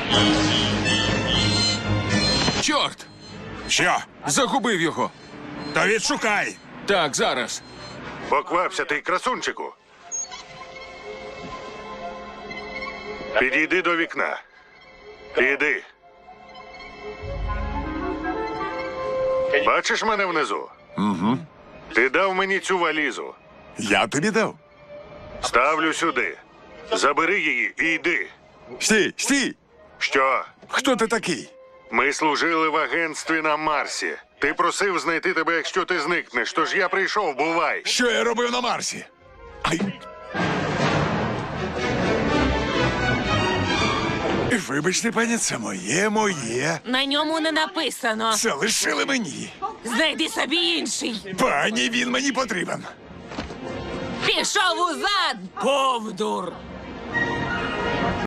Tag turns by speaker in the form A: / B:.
A: Чорт!
B: Що?
A: Загубив його.
B: То відшукай.
A: Так, зараз.
C: Поквапся ти, красунчику. Підійди до вікна. Іди. Бачиш мене внизу?
B: Угу.
C: Ти дав мені цю валізу.
B: Я тобі дав.
C: Ставлю сюди. Забери її і йди.
B: Стій, стій!
C: Що?
B: Хто ти такий?
C: Ми служили в агентстві на Марсі. Ти просив знайти тебе, якщо ти зникнеш, тож я прийшов, бувай.
B: Що я робив на Марсі? Ай. Вибачте, пані, це моє.
D: На ньому не написано.
B: Це лишили мені.
D: Знайди собі інший.
B: Пані, він мені потрібен.
D: Пішов узад, повдур.